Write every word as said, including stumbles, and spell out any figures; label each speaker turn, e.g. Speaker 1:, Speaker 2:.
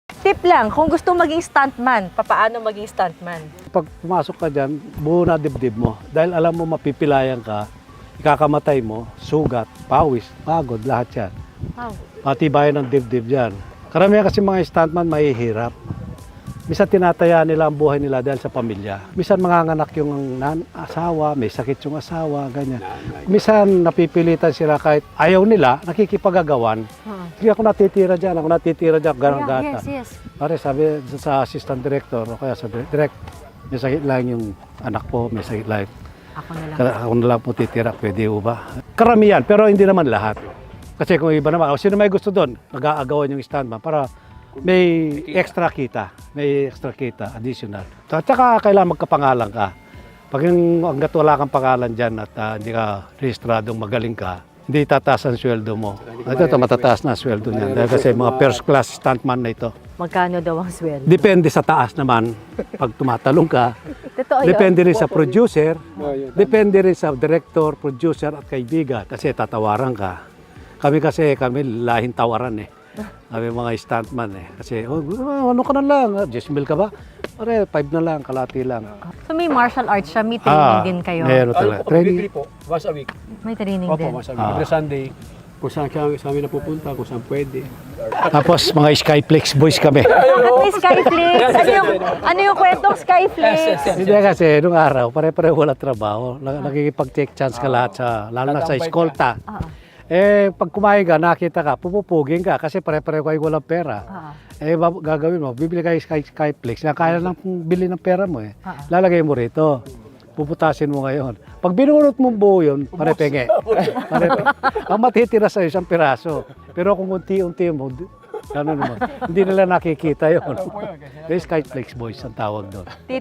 Speaker 1: Tip lang, kung gusto maging stuntman, papaano maging stuntman?
Speaker 2: Pag pumasok ka dyan, buo na dibdib mo. Dahil alam mo mapipilayan ka, ikakamatay mo, sugat, pawis, pagod, lahat yan.
Speaker 1: Wow.
Speaker 2: Matibayan ng dibdib dyan. Karamihan kasi mga stuntman mahihirap. Minsan tinataya nila ang buhay nila dahil sa pamilya. Minsan manganganak yung nan asawa, may sakit yung asawa, ganyan. Minsan napipilitan sila kahit ayaw nila, nakikipagagawan.
Speaker 1: Huh.
Speaker 2: Sige ako natitira dyan, ako natitira dyan, ganang
Speaker 1: Yeah,
Speaker 2: gata.
Speaker 1: yes, yes.
Speaker 2: Pare, sabi sa assistant director, o kaya sa direct, direct, may sakit lang yung anak po, may sakit lang.
Speaker 1: Ako na lang.
Speaker 2: Kaya ako na lang po titira, pwede po ba? Karamihan, pero hindi naman lahat. Kasi kung iba naman, o sino may gusto doon, nag-aagawan yung stuntman para may extra kita, may extra kita, additional. At saka kailangan magkapangalan ka. Pag yung hanggat wala kang pangalan dyan at uh, hindi ka rehistradong magaling ka, hindi tataas ang sweldo mo. Ito, ito matataas na sweldo niyan. Dahil kasi mga first class stuntman na ito.
Speaker 1: Magkano daw ang sweldo?
Speaker 2: Depende sa taas naman. Pag tumatalong ka,
Speaker 1: Totoo yun.
Speaker 2: depende rin sa producer, depende rin sa director, producer at kaibigan. Kasi tatawaran ka. Kami kasi, kami lahing tawaran eh. Kami mga stuntman eh. Kasi, oh, ano ka na lang, ten mil ka ba? Pare, five na lang, kalati lang.
Speaker 1: So may martial arts siya, may training din kayo.
Speaker 2: Meron talaga. Training.
Speaker 3: Weekly po, once a week.
Speaker 1: May training
Speaker 3: Opo,
Speaker 1: din.
Speaker 3: once a week.
Speaker 2: Ah.
Speaker 3: Every Sunday, kung saan kami sa amin napupunta, kung saan pwede.
Speaker 2: Tapos mga Skyflex boys kami.
Speaker 1: Bakit may Skyflix? Ano yung, ano yung kwentong Skyflix?
Speaker 2: Hindi kasi, nung araw, pare-pare wala trabaho. Nakikipag-take chance ka lahat sa, lalo na sa eskolta.
Speaker 1: Oo.
Speaker 2: Eh, pag kumain ka, nakita ka, pupupugin ka kasi pare-pare kayo walang pera.
Speaker 1: Oo.
Speaker 2: Eh, bab- gagawin mo, bibili kayo Sky, Skyflex, na kaya lang bili ng pera mo eh.
Speaker 1: Ah.
Speaker 2: Lalagay mo rito. Puputasin mo ngayon. Pag binunot mo buo yun, pare-penge. Pare ang matitira sa isang piraso. Pero kung unti-unti mo, di- ano naman, hindi nila nakikita yun. Yung Skyflex boys ang tawag doon.